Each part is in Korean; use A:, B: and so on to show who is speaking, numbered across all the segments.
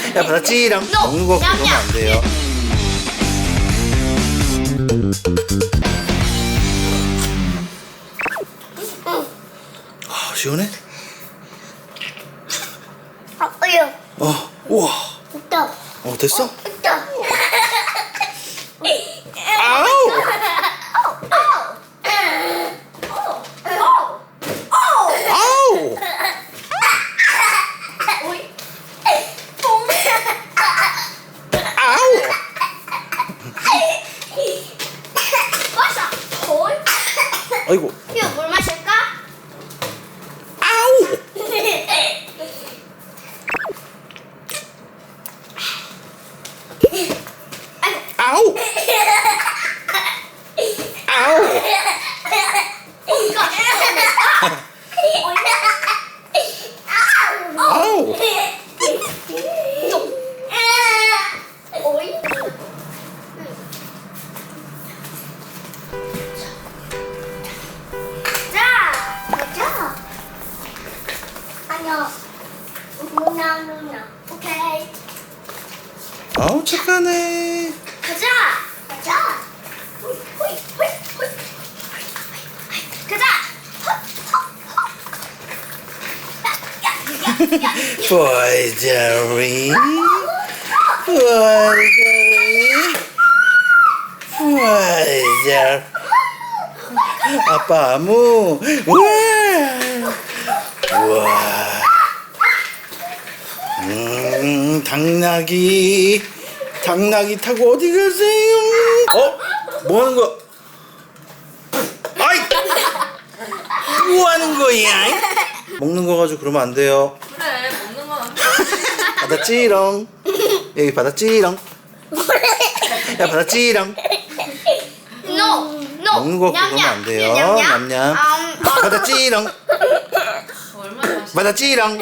A: 야 받았지랑.
B: No.
A: 먹는 거 그러면 안 돼요. 아 시원해?
B: 아빠요.
A: 우와.
B: 됐다.
A: 됐어?
B: 됐다.
A: 아우. 아우. 아우.
B: 마셔. 콜.
A: 아이고.
B: 이거 물 마실까?
A: 아우. 아우. 아우. 아우.
B: 자, 가자. 아니요. 누나. 오케이.
A: 아우 착하네.
B: 가자. 호이. 가자.
A: 보이저리. 보이저. 아빠 아무. 우와. 당나귀 타고 어디 가세요? 뭐 하는 거야? 아이! 뭐 하는 거야? 먹는 거 가지고 그러면 안 돼요.
C: 그래 먹는 건 안 돼.
A: 받았지롱. 여기 받았지롱. 야 받았지롱.
B: No.
A: 먹는 거 그러면 안 돼요. 냠냠. 받았지롱.
C: 얼마나 맛있어.
A: 받았지롱.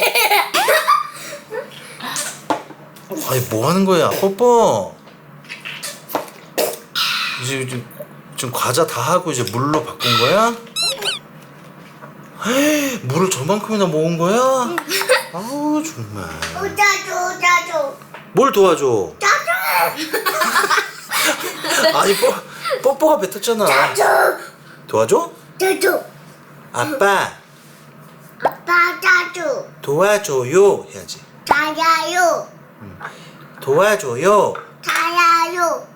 A: 아니 뭐 하는 거야, 뽀뽀? 이제 지금 과자 다 하고 이제 물로 바꾼 거야? 헤이, 물을 저만큼이나 먹은 거야? 아우 정말.
B: 짜줘.
A: 뭘 도와줘? 아니 뽀뽀가 뱉었잖아. 도와줘?
B: 짜줘.
A: 아빠
B: 아빠 짜줘.
A: 도와줘요 해야지.
B: 자야요.
A: 도와줘요.
B: 자야요.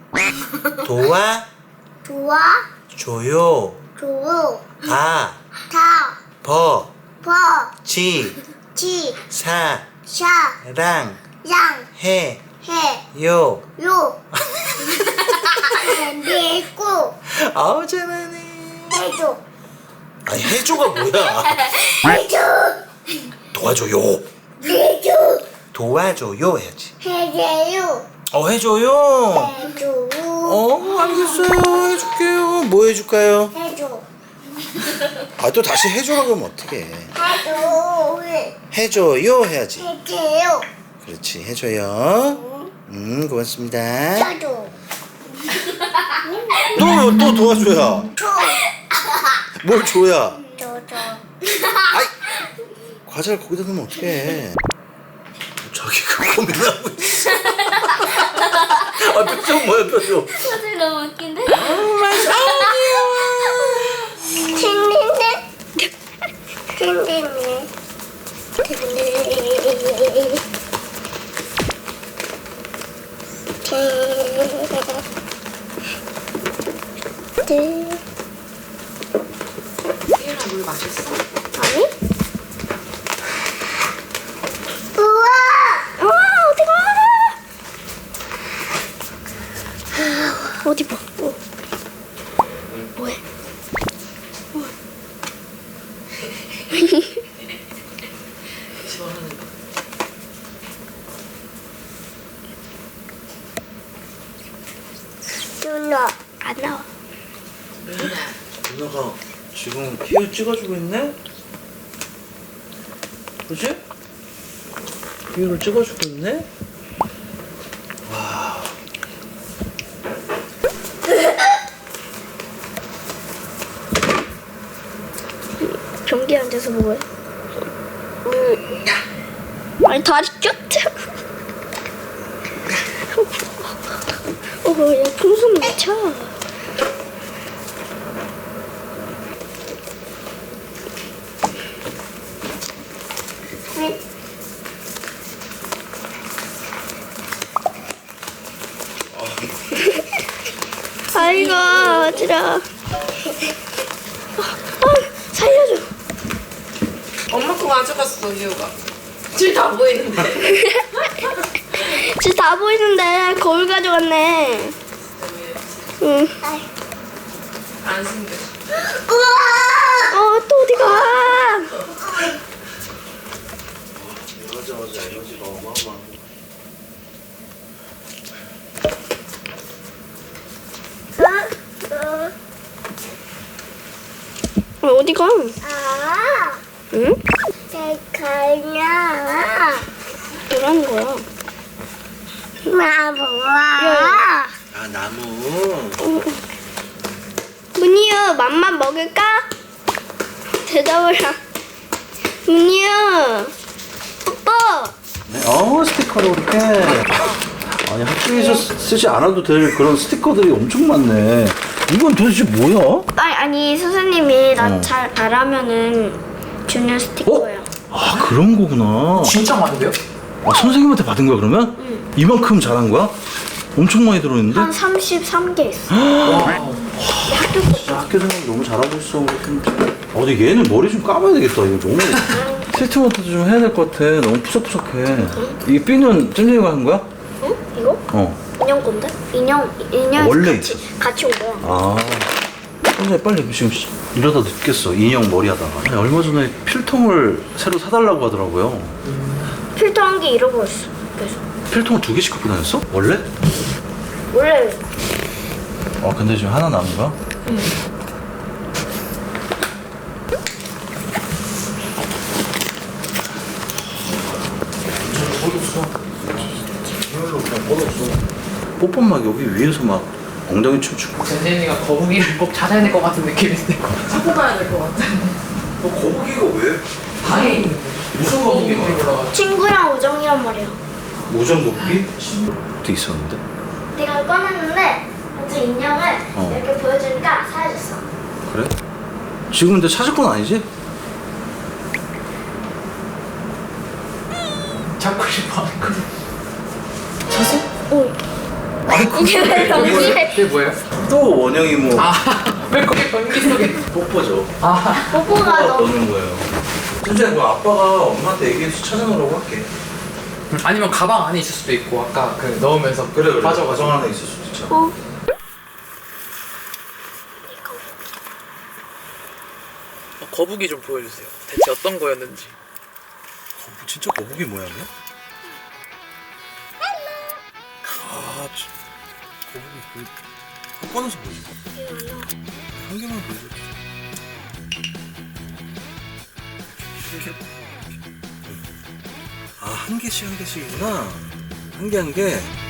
A: 도와줘요.
B: 조.
A: 다
B: 타.
A: 버
B: 버.
A: 지
B: 지.
A: 사
B: 샤.
A: 랑
B: 양.
A: 해
B: 해.
A: 요.
B: 요. 밀고.
A: 아우 잘하네.
B: 해줘.
A: 아니 해줘가 뭐야?
B: 해줘.
A: 도와줘요.
B: 해줘.
A: 도와줘요 해야지.
B: 해줘요.
A: 해줘요.
B: 해줘.
A: 알겠어요. 해줄게요. 뭐 해줄까요?
B: 해줘.
A: 또 다시 해줘라 그러면 어떡해.
B: 해줘.
A: 해줘요 해야지.
B: 해줘요.
A: 그렇지 해줘요. 고맙습니다.
B: 짜줘.
A: 또 도와줘야.
B: 줘.
A: 뭘 줘야?
B: 줘.
A: 아이 과자를 거기다 넣으면 어떡해. 자기가 고민하고 있어. 표정 뭐야 표정.
B: 사실 너무 웃긴데?
C: 태연아 물 맛있어?
B: 아니? 우와! 어디가? 어디 봐. 뭐해?
C: 좋아하는 거.
B: 누나 안 나와.
A: 누나가 지금 피부 찍어주고 있네? 그치? 피부를 찍어주고 있네? 와.
B: 변기 앉아서 먹어요. 아니 다리 쭉. 야, 풍선 미쳐. 아이고, 어지러워. 살려줘.
C: 엄마 거 가져갔어, 유우가. 줄 다 보이는데.
B: 지금 다 보이는데 거울 가져갔네. 응.
C: 안 숨겨.
B: 또 어디 가?
A: 맞아 에너지가 어마어마.
B: 어디 가? 응?
D: 가냐?
B: 뭐라는 거야?
D: 뭐야?
A: 아 나무.
B: 문이유, 맘만 먹을까? 대답을 하. 문이유, 뽀뽀.
A: 네, 스티커로 이렇게. 아니 학교에서 쓰지 않아도 될 그런 스티커들이 엄청 많네. 이건 도대체 뭐야?
B: 아니 선생님이 나
A: 어.
B: 잘 바라면은 주는 스티커예요.
A: 아 그런 거구나.
E: 진짜 많은데요?
A: 아, 선생님한테 받은 거야 그러면? 이만큼 잘한 거야? 엄청 많이 들어있는데?
B: 한 33개 있어.
A: 진짜 학교 생활 너무 잘하고 있어. 어디 얘는 머리 좀 감아야 되겠다. 이거 너무 트리트먼트도 좀 해야 될 것 같아. 너무 푸석푸석해. 이 삐는 잼잼이가 한 거야?
B: 응? 이거?
A: 어.
B: 인형 건데? 인형
A: 원래
B: 같이 온 거야.
A: 아. 선생님 빨리 지금 이러다 늦겠어. 인형 머리 하다가. 아니, 얼마 전에 필통을 새로 사달라고 하더라고요.
B: 필터 한 개 잃어버렸어. 그래서
A: 필통을 2개씩 갖고 다녔어? 원래?
B: 원래
A: 근데 지금 하나 남은 거야? 뽀뽀 막 여기 위에서 막 엉덩이 춤추고.
E: 젠젠이가 거북이를 꼭 찾아야 될 것 같은 느낌인데.
C: 찾고 가야 될 것 같아.
A: 너 거북이가 왜?
E: 방에 있는 무슨 거북이가 올라가?
B: 친구랑 우정이란 말이야.
A: 모전 거북이? 도 있었는데?
B: 내가 꺼냈는데 갑자기 인형을 이렇게 보여주니까 사라졌어.
A: 그래? 지금 근데 찾을 건 아니지?
E: 찾고 싶어 하는 거. 그게 뭐예요?
A: 또 원영이 뭐
E: 왜 거기 변기 속에?
A: 뽀뽀죠.
B: 뽀뽀가 너무
A: 넣는 거예요. 진짜 그 아빠가 엄마한테 얘기해서 찾아놓으라고 할게.
E: 아니면 가방 안에 있을 수도 있고 아까 그 넣으면서
A: 그래.
E: 빠져가지고.
A: 가정 안에 있을 수도 있잖아.
E: 거북이 좀 보여주세요. 대체 어떤 거였는지.
A: 진짜 거북이 모양이야? 아, 거북이 한 꺼내서 보여줘. 한 개만 보여줘. 아, 한 개씩이구나. 한 개 한 개.